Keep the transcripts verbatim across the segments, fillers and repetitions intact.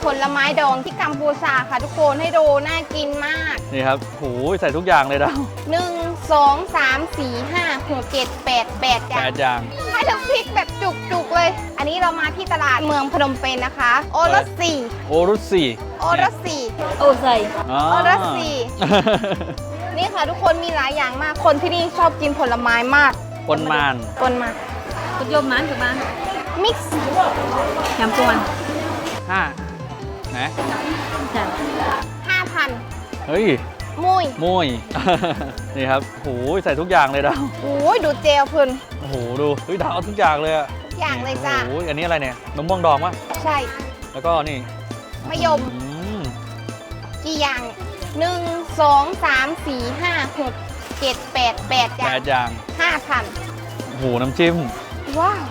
ลไม้ดองที่กัมพูชาค่ะทุกคนให้ดูน่ากินมากนี่ครับโหใส่ทุกอย่างเลยดาวหนึ่งสองสามสี่ห้าหกเจ็ดแปดแปดอย่างแปดอย่างให้ทั้งพริกแบบจุกๆเลย อันนี้เรามาที่ตลาดเมืองพนมเปญนะคะ โอรสสี่โอรุสสี่โอรสสี่โอใส่โอรสสี่นี่ค่ะทุกคนมีหลายอย่างมากคนที่นี่ชอบกินผลไม้มากปนมานปนมากุยมมันถูกมั้ยมิกซ์ยำกวนห้านะห้าพันเฮ้ยมุยมุยนี่ครับโหใส่ทุกอย่างเลยดาวโอ้ยดูเจลพื้นโอ้โหดูเฮ้ยดาวเอาทุกอย่างเลยอะทุกอย่างเลยจ้าโอ้ยอันนี้อะไรเนี่ยมะม่วงดองวะใช่แล้วก็นี่มะยมกี่อย่างหนึ่งสองสามสี่ห้าหกเจ็ดแปดแปดอย่างแปดอย่างห้าพันโอ้โหน้ำจิ้มว้าว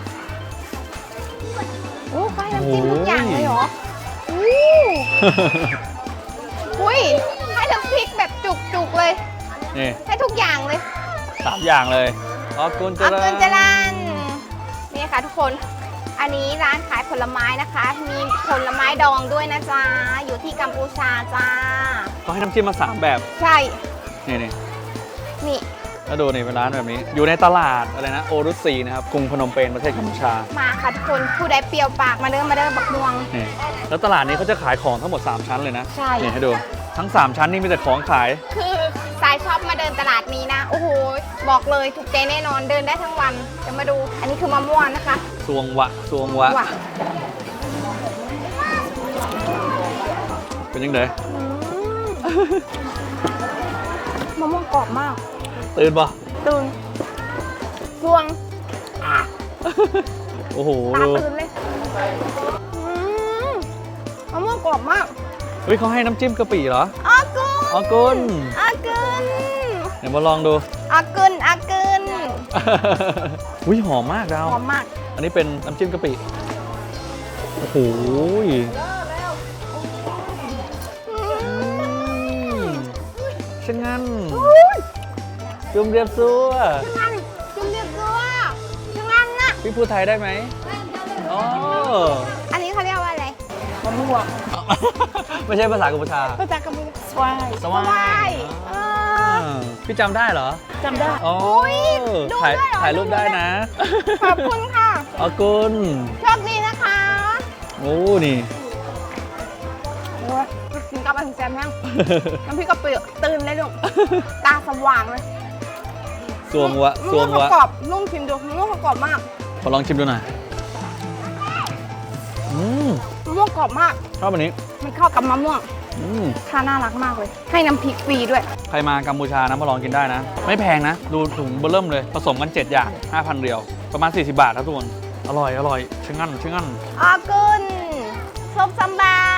โอ้ใครน้ำจิ้มทุกอย่างเลยเหรออู้อุ้ยให้ทั้งพริกแบบจุกๆเลยนี่ให้ทุกอย่างเลยสามอย่างเลยออกุนเจริญออกุนเจริญนี่ค่ะทุกคนอันนี้ร้านขายผลไม้นะคะมีผลไม้ดองด้วยนะจ๊ะอยู่ที่กัมพูชาจ้าเขาให้น้ำจิ้มมาสามแบบใช่นี่นี่นี่แล้วดูนี่เป็นร้านแบบนี้อยู่ในตลาดอะไรนะโอรุสซีนะครับกรุงพนมเปญประเทศกัมพูชามาค่ะทุกคนผู้ใดเปรี้ยวปากมาเดินมาเดินบักม่วงนี่แล้วตลาดนี้เขาจะขายของทั้งหมดสามชั้นเลยนะใช่นี่ให้ดูทั้งสามชั้นนี่มีแต่ของขายคือสายชอบมาเดินตลาดนี้นะโอ้โหบอกเลยถูกใจแน่นอนเดินได้ทั้งวันจะมาดูอันนี้คือมะม่วงนะคะซวงวะซวงวะเป็นยังไงมะม่วงกรอบมากตื่นปะตื่นซวงโอ้โหตาตื่นเลยมะม่วงกรอบมากเฮ้ยเขาให้น้ำจิ้มกะปิเหรออากุนอากุนอากุนเดี๋ยวมาลองดูอากุนอากุนอุ้ยหอมมากดาวหอมมากอันนี้เป็นน้ำจิ้มกะปิโอ้โหช่างงั้นจุ่มเรียบซัวช่างงั้นจุ่มเรียบซัวช่างงั้นนะพี่พูดไทยได้ไหมอ๋ออันนี้เขาเรียกว่าอะไรมะม่วงไม่ใช่ภาษากัมพูชาภาษากัมพูชาสวายสวายพี่จำได้เหรอจำได้อ๋อถ่ายถ่ายรูปได้นะขอบคุณค่ะขอบคุณโชคดีนะคะโอ้นี่กินกับอันแซมแห้งน้ำพริกกะปิตื่นเลยลูกตาสว่างเลยสวงวะสวงวะกรอบนุ่มชิมดูมะม่วงกรอบมากขอลองชิมดูหน่อยอืมมะม่วงกรอบมากชอบอันนี้มันเข้ากับมะม่วงท่าน่ารักมากเลยให้น้ำพริกฟรีด้วยใครมากัมพูชานะมาลองกินได้นะไม่แพงนะดูถุงเบอร์เริ่มเลยผสมกันเจ็ดอย่าง ห้าพัน เรียวประมาณสี่สิบบาทครับทุกคนอร่อยอร่อยช่างงั้นช่างงั้นอากุนส้มซัมบา